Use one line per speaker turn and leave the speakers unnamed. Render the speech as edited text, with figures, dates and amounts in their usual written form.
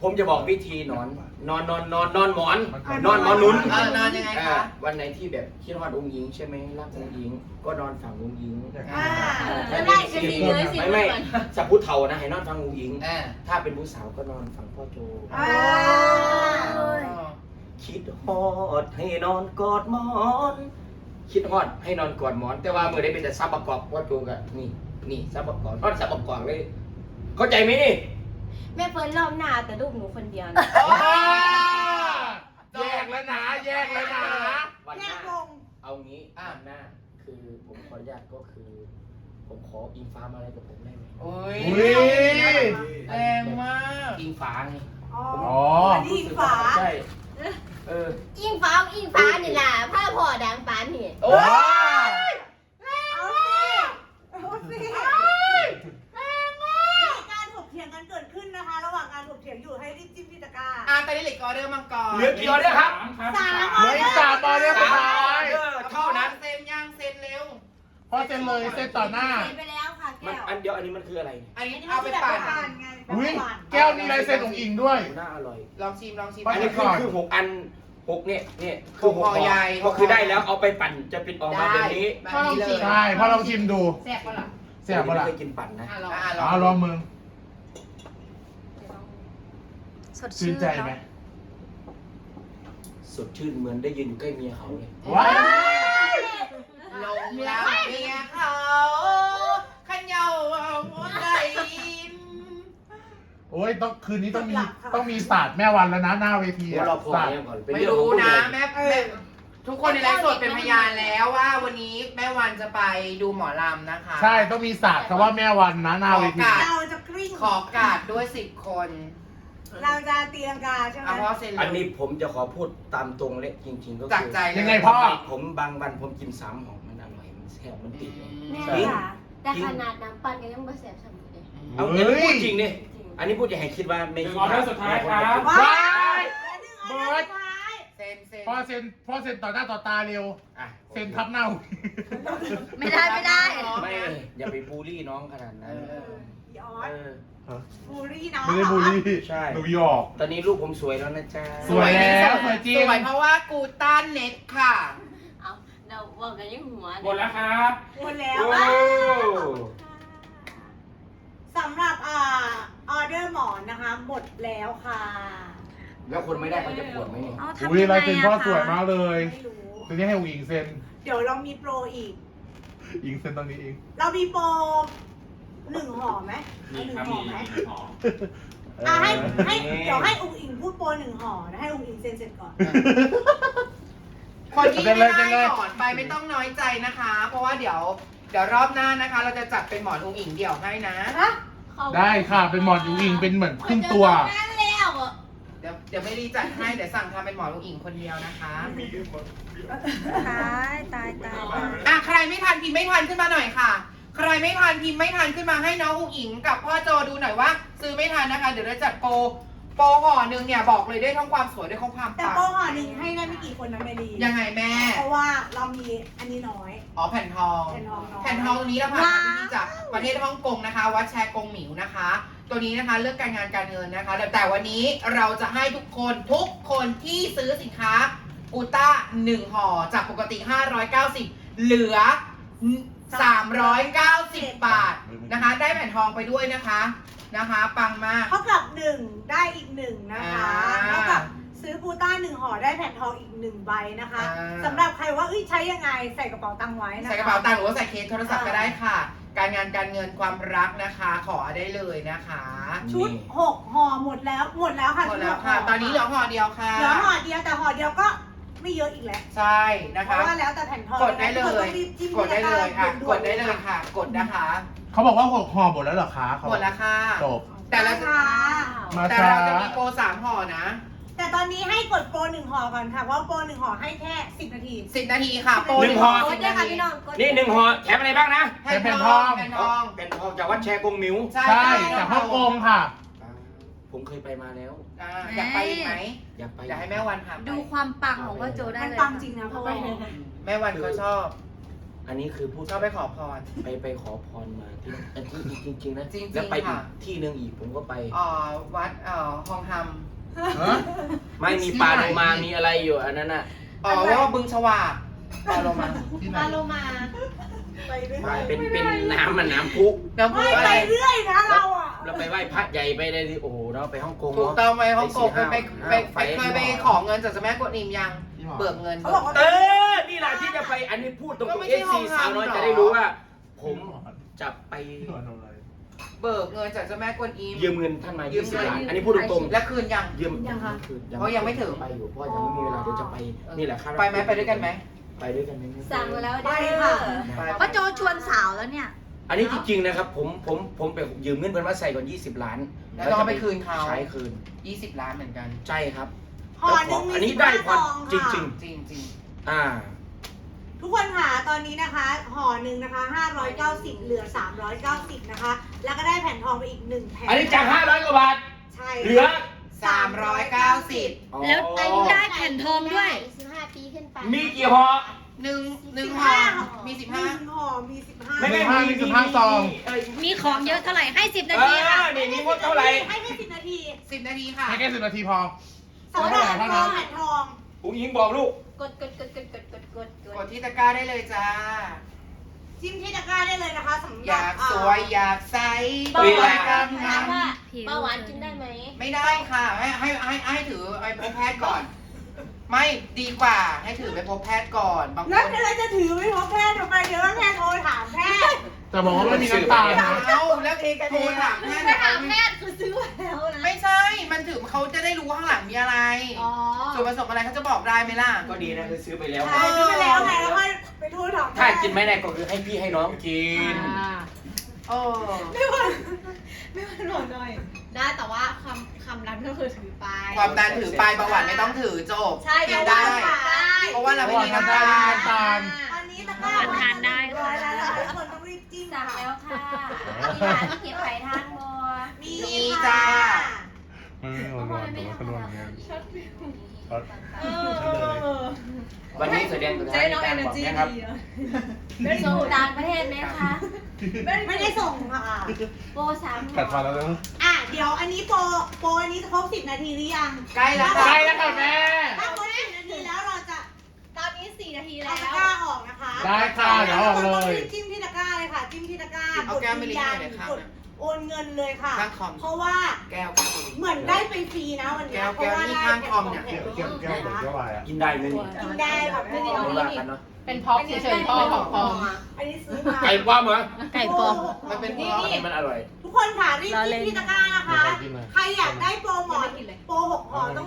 ผมจะบอกวิธีนอนหมอนนอนหมอนนุน
นอนยังไงคะ
วันไหนที่แบบคิดฮอดองค์หญิงใช่ไหมรักองค์หญิงก็นอนฝั่งองค์หญิง
แล้วได้จะดีเลยสิ
ไม่สับผู้เฒ่านะให้นอนฝั่งองค์หญิง
อ่า
ถ้าเป็นผู้สาวก็นอนฝั่งพ่อโจคิดฮอดให้นอนกอดหมอนคิดฮอดให้นอนกอดหมอน แต่ว่าเมื่อได้เป็นแต่ซับประกอบพ่อโจกันนี่ซับประกอบนอนซับประกอบเลยเข้าใจไหมนี่
แม่เฟิร์นรอบหน้าแต่ลูกหนูคนเดียวนะ
แยกแล้วนะแยกแล้วนะ
วันหน้าเอางี้วันหน้าคือผมขออนุญาตก็คือ ผมขออิงฟ้ามาอะไรกับผมได้ไหม
โอ้ย
อุ้ย
แรงมาก
อิงฟ้าไง
อ๋อ
อิงฟ้าใช่
อิงฟ้านี่ล่ะผ้าพ่อดังปานนี่
โอ้ย
เอาสิมีการถกเถียงกันเกิดขึ้นนะคะ ระหว่างการถกเถียงอยู่ให้รีบจิ้มที่ตะกร้า
ตอนนี้เหลือออเดอร์มังกร
เหลือกี่ออเดอร์ครับ
เหลืออีก3 ออเดอร์สุดท้าย
เท่านั้น
เซ็นยังเซ็นเร็ว
พอเซ็นเลยเซ็นต่อหน้า
เซ็นไปแล้วค่ะ
มัน
แก้ว
อันเดียวอันนี้มันคืออะไร
อันนี้เอาไปปั่น
ไง
อุ้ยแก้วนี้ลายเซ็นของอิงด้วย
น่าอร่อย
ลองชิม
อันนี้คือ6 อัน6เนี่ยคือ
ห่อใหญ่
ก็คือได้แล้วเอาไปปั่นจะเป็นออกมาแบบนี้
แบบนี้เลย
ใช่พอลองชิมดู
แซ่บปะล่ะ
เสียบปะล่ะ
ไม่เคยกินปั่นนะ
เอาลองมึง
สด
ชื่นใจไหม
สดชื่นเหมือนได้ยืนอยู่ใกล้เมียเขาเลย
ว้าย
ลงแล้วเมียเขาขันเยาหัวใจ
โอ้ยต้องคืนนี้ต้องมีศาสตร์แม่วันแล้วนะหน้าเวที
ว่าเราพอ
ศาสตร์
เนี่ยก่อน
ไม่รู้นะแม่ทุกคนในไลฟ์สดเป็นพยานแล้วว่าวันนี้แม่วันจะไปดูหมอลำนะคะ
ใช่ต้องมีศาสตร์คำว่าแม่วันนะหน้าเวที
เราจะกริ้ง
ขอกาดด้วย10 คน
เราจะตีลังกาใช่ไหม
เอาเพราะเซ็น
อันนี้ผมจะขอพูดตามตรงเลยจริงๆก็คือ
จากใจเลย
ยังไงพ่อ
ผมบางวันผมกินซ้ำของมันอร่อยมันแซ่บมันติดเลย
แม่ค่ะแต่ขนาดน้ำปั่นก็ยังไม่แสบสมุนเลย
เอาอันนี้พูดจริงเนี่ยอันนี้พูดจะให้คิดว่าไม่คิด
ออเดอร์สุดท้ายครับ
ว้า
ว้าย
เบิร์ดท้าย
เซ็น
พ่อเซ็นต่อหน้าต่อตาเร็ว
อ่ะ
เซ็นทับเน่า
ไม่ได้
ไม่อย่าไปบูลลี่น้องขนาดนั้น
ยอด
เออ
บูรี่น้อง
ไม่ได้บูลลี่
ใช่
หนูหยอก
ตอนนี้ลูกผมสวยแล้วนะจ๊ะ
สวยแล้วสวยจริง
สวยเพราะว่ากูต้านเน็ตค่ะ
เอาเราบอกกันยังหัว
หมดแล้วครับ
หมดแล้ว
โอ้
สำหรับออเดอร์หมอนนะคะ หมดแล้วค่ะ
แล้วคนไม่ได้เขาจะปวดไหมเนี่ย
เอาทำ
อุ้ย
ยังไง
ลายเซ็นพ่อ
อะ
สวย
คะ
มากเลย
ไม่รู้
ตอนนี้ให้อุ๋งอิงเซ็น
เดี๋ยวเรามีโปรอีก
อิงเซ็นตอนนี้เอง
เรามีโปร1 ห่อไหม
มี
เอา
ครับ
1 ห่
มี
อไหม
หอม
ให้เดี๋ยวให้อุ้งอิงพูดโปร1 ห่อนะให้อุ้งอิงเซ็นเสร็จก่อน
คนที่ไม่ได้หมอนไปไม่ต้องน้อยใจนะคะ เพราะว่าเดี๋ยวรอบหน้านะคะ เราจะจัดเป็นหมอนอุ้งอิงเดี่ยวให้นะ
ได้ค่ะเป็นหมอนอุ๋งอิงเป็นเหมือนครึ่งตัว
นั่นแล้วอะ
เดี๋ยวไม่ได้จัดให้เดี๋ยวสั่งทำเป็นหมอนอุ้งอิงคนเดียวนะคะ
ตาย
ใครไม่ทันพิมพ์ไม่ทันขึ้นมาหน่อยค่ะ ใครไม่ทันพิมพ์ไม่ทันขึ้นมาให้น้องอุ้งอิงกับพ่อโจดูหน่อยว่า ซื้อไม่ทันนะคะ เดี๋ยวเราจัดโปรห่อหนึ่งเนี่ยบอกเลยได้ทั้งความสวยได้ทั้งความ
แต่
ปัง
โปรห่อหนึ่งให้ได้ไม่กี่คนนะเมลี
ยังไงแม่
เพราะว่าเรามีอันนี้น้อย
อ๋อแผ่นทอง
แผ่นทองน้อย
แผ่นทองตัวนี้เราผ่านมาที่จากประเทศฮ่องกงนะคะ วัดแชกงหมิวนะคะ ตัวนี้นะคะเลือกการงานการเงินนะคะ แต่วันนี้เราจะให้ทุกคนที่ซื้อสินค้ากูต้า1 ห่อจากปกติ 590 เหลือ 390 บาทนะคะ ได้แผ่นทองไปด้วยนะคะปังมาก
เท่ากับ1ได้อีก1นะคะเท่ากับซื้อปูต้า1 ห่อได้แผ่นทองอีก1 ใบนะคะสำหรับใครว่าใช้ยังไงใส่กระเป๋าตังค์ไว้นะคะ
ใส่กระเป๋าตังค์หรือว่าใส่เคสโทรศัพท์ก็ได้ค่ะ การงานการเงินความรักนะคะ ขอได้เลยนะคะ
ชุด6 ห่อหมดแล้วค่ะ
หมดแล้วค่ะ ตอนนี้เหลือห่อเดียวค่ะ
เหลือห่อเดียวแต่ห่อเดียวก็ไม่เยอะอีกแล้ว
ใช่นะ
เพ
คะ
ราะว่าแล้วแต่แผ่นทอง
กดได้เลย กดได้เลยค่ะ กดได้เลยค่ะ กดนะคะ
เขาบอกว่า6 ห่อหมดแล้วเหรอคะเขา
หมดแล้วค่ะ
จบ
แต่ละ
ค่ะ
มา
แต่
ช้า
เราจะมีโปร3 ห่อนะ
แต่ตอนนี้ให้กดโปร1 ห่อก่อนค่ะเพราะโปร1 ห่อให้แค่10 นาที
10 นาทีค่ะ โปร
หนึ่งห่อ
กดได้ค่ะพี่น้องกด
นี่1 ห่อแถมอะไรบ้างนะ
แผ่นทอง
เป็นทองจากวัดแชกงหมิว
ใช่จากฮ่องกงค่ะ
ผมเคยไปมาแล้ว
อยากไปอีกไหม
อยากไป
อยากให้แม่วันพาไป
ดูความปังของพ่อโจได้
มัน
เลย
ปังจริงนะเพราะว่า
แม่วันเขาชอบ
อันนี้คือพูด
ชอบไปขอพร
ไปขอพรมาที่จริงๆนะ
จริงๆ
แล้วไปอี
ค่ะ
กที่หนึ่งอีกผมก็ไป
วัดฮองฮัม
ไม่มีปลาโลมามีอะไรอยู่อันนั้นน่ะ
อ๋อว่าบึงฉวากปลาโลมา
ที่ไหน
ปลาโลมา
ไปเรื่อย
ไม่เป็นน้ำมันน้ำพุ
น้ำพุ
ไม่
อะ
ไป
ไร
เรื่อยนะเราอ่ะ
เราไปไหว้พระใหญ่ไปเลยดิโอ้โหเราไปฮ่องกง
ถูก
เนาะ
ต้องไหมฮ่องกงเคยไป
ไฟ
เคยไปขอเงินจากเจ้าแม่กวนอิมยัง เบิกเงิน
เขาบอกว่า
นี่แหละที่จะไปอันนี้พูดตรง
ก็
ๆ
ไม่
เอ
ใช่
ฟซี
ห้อง
สาวน้อย
น้ำหรอ
จะได้รู้ว่า ผมจะไป
ที่หัวนมเลย
เบิกเงินจากเจ้าแม่กวนอิม
ยืมเงินท่านมา
ยืม
20
เงิน
ล้านอันนี้พูดตรง
และคืนยัง
ๆยืม
ยังคะ
คือ
เพราะยังไม่ถึง
ไปอยู่เพราะยังไม่มีเวลาเดี๋ยวจะไปนี่แหละครับ
ไปไหมไปด้วยกันไหม
ไปด้วยกันไหม
สั่งมาแล้ว
ไป
เด้อ
ค่ะ
ไป
ป้าโจชวนสาวแล้วเนี่ย
อันนี้จริงๆนะครับผมไปยืมเงินเพิ่นมาใส่ก่อน20 ล้าน
แล้วต้องเอาไปคืนเขา
ใช้คืน
20 ล้านเหมือนกัน
ใช่ครับ
ห่อหนึ่งมี
อันนี้ได้พอ
15ซอง
จริ
ค่ะ
ง
จริงจริง
ๆอ่า
ทุกคนค่ะตอนนี้นะคะห่อหนึ่งนะคะ590เหลือ390นะคะ แล้วก็ได้แผ่นทองไปอีก1แผ่น
อันนี้จาก500 กว่าบาท
ใช่
เหลือ
390
แล้วอายุได้แผ่นทองด้วย15 ปีขึ้นไป
มีกี่ห่อ
หนึ่งห่อมี
หนึ่ง
15
ห่อมี15
ไม่
15ซอง
มีของเยอะเท่าไหร่ให้ 10 นา
เอ
ทีค่ะ
อนี่มีงบเท่าไหร่
ให้แค่10 นาที
10 นาทีค่ะ
ให้แค่10 นาทีพอ
สำหรับแผ่นทองแผ่นทอง
อุ้งยิงบอกลูก
กด
กดที่ตะกร้าได้เลยจ้า
จิ้มที่ตะกร้าได้เลยนะคะสำห
อ
รับ
ยากสวยอยากใส
เบาหวาน
กัน
ถามว่าเบาหวานกินได้ไหม
ไม่ได้ค่ะ ให้ถือไปพบแพทย์ก่อน ไม่ดีกว่าให้ถือไปพบแพทย์ก่อนบางค
แล้ว
น
เราจะถือไว้พบแพทย์ทำไมเดี๋ยวแพทย์โทรถามแพทย์
จะบอกว่าไม่มีน้ำตาลนะ
เอาแล้วโทรถามแพทย์
ไปถามแพทย์คือซื้อมาแล้วนะ
ไม่ใช่ มันถือเขาจะได้รู้ว่าข้างหลังมีอะไร
อ๋อ
ส่วนผสมอะไรเขาจะบอกได้ไหมล่ะ
ก็ดีนะคือซื้อไปแล้ว
ใช่ซื้อไปแล้วไงแล้วค่อยไปโทรถามแพทย์
ถ้ากินไม่ได้ก็คือให้พี่ให้น้องกิน
โอ้
ไม่ว่าไม่ว่าหน่อยหน่อย
ได้แต่ว่าคำนั้นก็คือถือไป
ความดันถือไปเบาหวานไม่ต้องถือจบ
ใช่
กินได้
ได้
เพราะว่าเราไม่มีน้ำตาล
ตาล
ตอนนี้ตะกร้า
ทานได้ค่ะ
ร้อยแล้วนะคะทุกคนต้องรีบจิ้ม
สั่ง
ค่ะ
แล้วค่ะมีร้านที่เก็บไข่ทานบัว
มี
มี
ค่ะ
จ้า
ไม่ร้อนแต่ว่าก็ร้อนเหมือนกันช็อต
วันนี้แสดงตัวแทนในการบอกนะครับ
ส่งต่างประเทศไหมคะ
ไม่ได้ส่งค่ะ
โปร3
กัดฟันแล้วนะ
อ่ะเดี๋ยวอันนี้โปรอันนี้จะครบ10 นาทีหรือยัง
ใกล้แล้ว
ใกล้แล้วค่ะแม่
ถ้าครบ10 นาทีแล้วเราจะ
ตอนนี้4 นาทีแล้
เอา
ว
ตะกร้าออกนะคะ
ได้ค่ะเดี๋ยวออกเลย
จิ้มที่ตะกร้าเลยค่ะ จิ้มที่ตะกร้า
เอาแก้วไม่ลิ้นหน่อยเลยค่ะ
กดโอนเงินเลยค่ะ
ข้างคอม
เพราะว่า
แก้ว
เหมือนได้ไปฟรีนะวันนี้
แก้ว
เพราะว่า
นี่
ได้
ข้างคอมเนี่ย
แผ่
แก้วเหมือนแก้ววายอ่ะ
กินได้ไหมนี่
กินได้แบบไม่ได้
ไม่ว่ากันเนาะ
เป็นพ็อกเฉยๆพ่อของปลอม
อันนี้ซื้อมา
ไก่ป้อมเหรอ
ไก่ปลอม
มันเป็น
นี่
อันนี้มันอร่อย
ทุกคนค่ะรีบจิ้มที่ตะกร้านะคะ
ไม่เคยกินเลย
ใครอยากได้โปรหมอน
ไม่กินเลย
โปร6ห่อต้อง